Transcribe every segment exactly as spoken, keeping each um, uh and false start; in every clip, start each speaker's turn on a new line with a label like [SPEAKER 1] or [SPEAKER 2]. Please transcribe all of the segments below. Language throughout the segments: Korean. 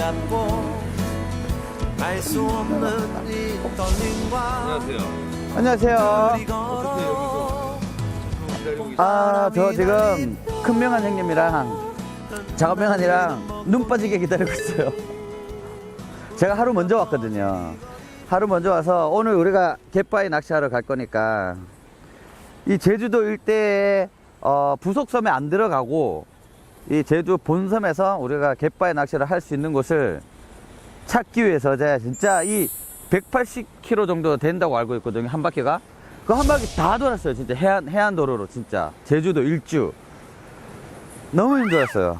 [SPEAKER 1] 잡고 알 수 없는 이 떨림과
[SPEAKER 2] 안녕하세요. 안녕하세요.
[SPEAKER 1] 우리 걸어
[SPEAKER 2] 아, 저 지금 큰명한 형님이랑 작업명한이랑 눈 빠지게 기다리고 있어요. 제가 하루 먼저 왔거든요. 하루 먼저 와서 오늘 우리가 갯바위 낚시하러 갈 거니까 이 제주도 일대에 어, 부속섬에 안 들어가고 이 제주 본섬에서 우리가 갯바위 낚시를 할 수 있는 곳을 찾기 위해서 제가 진짜 이 백팔십 킬로미터 정도 된다고 알고 있거든요. 한 바퀴가. 그 한 바퀴 다 돌았어요. 진짜 해안, 해안도로로 진짜. 제주도 일주. 너무 힘들었어요.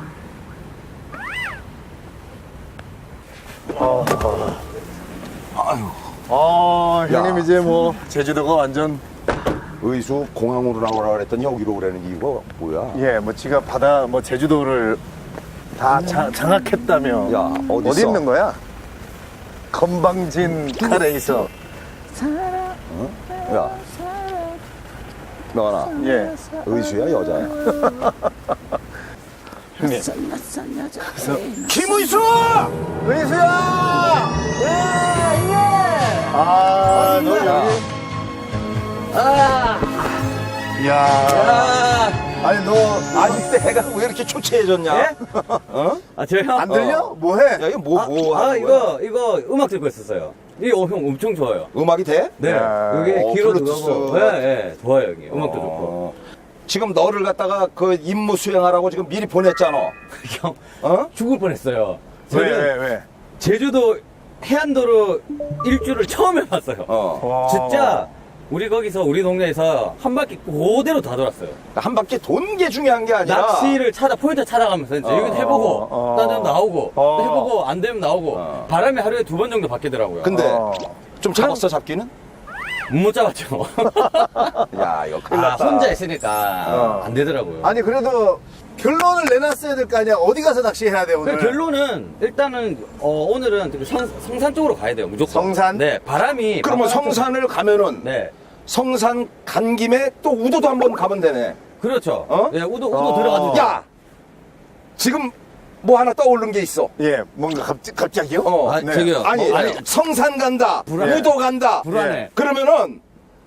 [SPEAKER 3] 어, 아유. 아, 형님 이제 뭐 제주도가 완전
[SPEAKER 4] 의수 공항으로 나오라 그랬더니 여기로 오라는 이유가 뭐야?
[SPEAKER 3] 예, 뭐 지가 바다 뭐 제주도를 다 자, 장악했다며.
[SPEAKER 4] 야, 어디
[SPEAKER 3] 어디
[SPEAKER 4] 있어?
[SPEAKER 3] 있는 거야? 건방진 카레이서.
[SPEAKER 4] 어? 야, 너나
[SPEAKER 3] 예.
[SPEAKER 4] 의수야 여자야?
[SPEAKER 3] 형님.
[SPEAKER 4] 김의수!
[SPEAKER 3] 의수야! 예, 예! 아, 너 여기.
[SPEAKER 2] 아,
[SPEAKER 3] 야.
[SPEAKER 2] 아,
[SPEAKER 3] 아니 너
[SPEAKER 4] 아니 때가 왜 이렇게 초췌해졌냐?
[SPEAKER 2] 예?
[SPEAKER 4] 어?
[SPEAKER 2] 아, 저요?
[SPEAKER 3] 안 들려?
[SPEAKER 4] 어.
[SPEAKER 3] 뭐 해?
[SPEAKER 4] 야, 이거 뭐, 뭐
[SPEAKER 2] 아,
[SPEAKER 4] 하는 거야?
[SPEAKER 2] 이거, 이거 음악 듣고 있었어요. 이게 어, 형 엄청 좋아요.
[SPEAKER 4] 음악이 돼?
[SPEAKER 2] 네.
[SPEAKER 3] 야,
[SPEAKER 2] 이게
[SPEAKER 4] 어,
[SPEAKER 2] 귀로
[SPEAKER 4] 블루투스.
[SPEAKER 2] 들어가고. 예, 예. 좋아요, 형님. 음악도 좋고.
[SPEAKER 4] 어. 지금 너를 갖다가 그 임무 수행하라고 지금 미리 보냈잖아.
[SPEAKER 2] 형,
[SPEAKER 4] 어?
[SPEAKER 2] 죽을 뻔했어요.
[SPEAKER 3] 왜,
[SPEAKER 2] 저는
[SPEAKER 3] 왜, 왜?
[SPEAKER 2] 제주도 해안도로 일주를 처음 해봤어요.
[SPEAKER 4] 어.
[SPEAKER 3] 와.
[SPEAKER 2] 진짜 우리 거기서 우리 동네에서 한 바퀴 그대로 다 돌았어요.
[SPEAKER 4] 한 바퀴 돈 게 중요한 게 아니라.
[SPEAKER 2] 낚시를 찾아 포인트 찾아가면서 이제
[SPEAKER 4] 어,
[SPEAKER 2] 여기 해보고
[SPEAKER 3] 어,
[SPEAKER 2] 딴 데는 나오고
[SPEAKER 3] 어.
[SPEAKER 2] 또 해보고 안 되면 나오고
[SPEAKER 4] 어.
[SPEAKER 2] 바람이 하루에 두 번 정도 바뀌더라고요.
[SPEAKER 4] 근데
[SPEAKER 3] 어.
[SPEAKER 4] 좀 잡았어 잡기는?
[SPEAKER 2] 못 잡았죠.
[SPEAKER 4] 야 이거 큰일
[SPEAKER 2] 아,
[SPEAKER 4] 났다.
[SPEAKER 2] 혼자 있으니까
[SPEAKER 3] 어.
[SPEAKER 2] 안 되더라고요.
[SPEAKER 3] 아니 그래도 결론을 내놨어야 될 거 아니야. 어디 가서 낚시해야 돼 오늘?
[SPEAKER 2] 그 결론은 일단은 어, 오늘은 그 성, 성산 쪽으로 가야 돼요. 무조건.
[SPEAKER 3] 성산?
[SPEAKER 2] 네, 바람이
[SPEAKER 4] 그러면
[SPEAKER 2] 바람 쪽-
[SPEAKER 4] 성산을 가면은
[SPEAKER 2] 네,
[SPEAKER 4] 성산 간 김에 또 우도도 한번 가면 되네.
[SPEAKER 2] 그렇죠.
[SPEAKER 4] 어?
[SPEAKER 2] 네, 우도 우도
[SPEAKER 3] 어.
[SPEAKER 2] 들어가도 돼요.
[SPEAKER 4] 야 지금 뭐 하나 떠오른 게 있어.
[SPEAKER 3] 예, 뭔가 갑자기, 갑자기요?
[SPEAKER 4] 어.
[SPEAKER 2] 아,
[SPEAKER 3] 네.
[SPEAKER 2] 저기요.
[SPEAKER 4] 아니,
[SPEAKER 2] 어, 아니,
[SPEAKER 4] 성산 간다,
[SPEAKER 2] 불안해.
[SPEAKER 4] 우도 간다.
[SPEAKER 2] 불안해.
[SPEAKER 4] 그러면은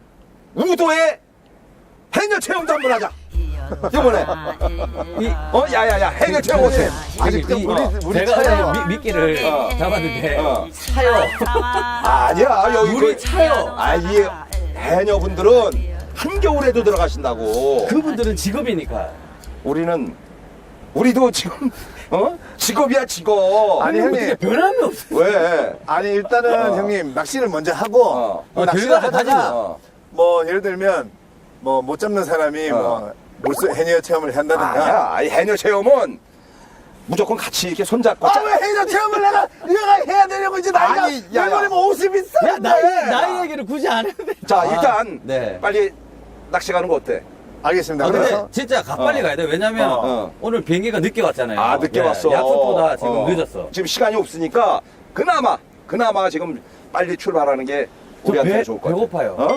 [SPEAKER 4] 우도에 해녀 체험도 한번 하자. 이번에
[SPEAKER 2] 이,
[SPEAKER 4] 어 야야야 해녀 체험 어때?
[SPEAKER 3] 아직도
[SPEAKER 2] 이-
[SPEAKER 3] 물이,
[SPEAKER 2] 어,
[SPEAKER 3] 물이
[SPEAKER 2] 제가
[SPEAKER 3] 차요.
[SPEAKER 2] 미, 미끼를
[SPEAKER 4] 어.
[SPEAKER 2] 잡았는데
[SPEAKER 4] 어.
[SPEAKER 2] 차요.
[SPEAKER 4] 아니야 여기
[SPEAKER 2] 물이
[SPEAKER 4] 그-
[SPEAKER 2] 차요.
[SPEAKER 4] 아이 해녀분들은 한겨울에도 들어가신다고.
[SPEAKER 2] 그분들은 직업이니까.
[SPEAKER 4] 우리는 우리도 지금 어 직업이야 직업.
[SPEAKER 3] 아니, 형님.
[SPEAKER 2] 어떻게 변함이 없어요.
[SPEAKER 4] 왜?
[SPEAKER 3] 아니 일단은
[SPEAKER 4] 어.
[SPEAKER 3] 형님 낚시를 먼저 하고
[SPEAKER 4] 어.
[SPEAKER 3] 뭐
[SPEAKER 2] 어,
[SPEAKER 3] 낚시를
[SPEAKER 2] 결과를
[SPEAKER 3] 하다가
[SPEAKER 2] 가지고.
[SPEAKER 4] 어.
[SPEAKER 3] 뭐 예를 들면 뭐 못 잡는 사람이
[SPEAKER 4] 어.
[SPEAKER 3] 뭐 물속 해녀 체험을 한다든가.
[SPEAKER 4] 아니야 이 해녀 체험은 무조건 같이 이렇게 손잡고.
[SPEAKER 3] 아 왜 해녀 체험을 내가 내가 해야 되냐고 이제 나이가
[SPEAKER 4] 아니, 야, 야.
[SPEAKER 3] 내년에 뭐 오십이 歳
[SPEAKER 2] 야, 나이, 나이 얘기를 굳이 안 해도 돼.
[SPEAKER 4] 자
[SPEAKER 2] 아,
[SPEAKER 4] 일단
[SPEAKER 2] 네.
[SPEAKER 4] 빨리 낚시 가는 거 어때?
[SPEAKER 3] 알겠습니다.
[SPEAKER 2] 아, 근데
[SPEAKER 3] 그래서
[SPEAKER 2] 진짜 가빨리
[SPEAKER 4] 어.
[SPEAKER 2] 가야 돼. 왜냐면
[SPEAKER 4] 어.
[SPEAKER 2] 오늘 비행기가 늦게 왔잖아요.
[SPEAKER 4] 아 늦게
[SPEAKER 2] 네,
[SPEAKER 4] 왔어.
[SPEAKER 2] 약속보다 지금
[SPEAKER 4] 어.
[SPEAKER 2] 늦었어.
[SPEAKER 4] 지금 시간이 없으니까 그나마 그나마 지금 빨리 출발하는 게
[SPEAKER 2] 저
[SPEAKER 4] 우리한테
[SPEAKER 2] 배-
[SPEAKER 4] 좋을 것 같아.
[SPEAKER 2] 배고파요.
[SPEAKER 4] 어?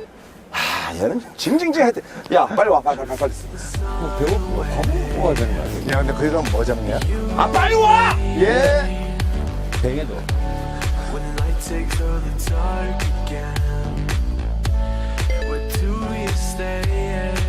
[SPEAKER 4] 아 얘는 징징징 할 때. 야 빨리 와 빨리 빨리 빨리.
[SPEAKER 2] 배고프고 밥 먹어야 되는 거 아니에요?
[SPEAKER 3] 야 근데 그럼 뭐 잡냐?
[SPEAKER 4] 아 빨리 와.
[SPEAKER 3] 예.
[SPEAKER 2] 뱅에도.
[SPEAKER 1] When the light takes early dark again, where do you stay?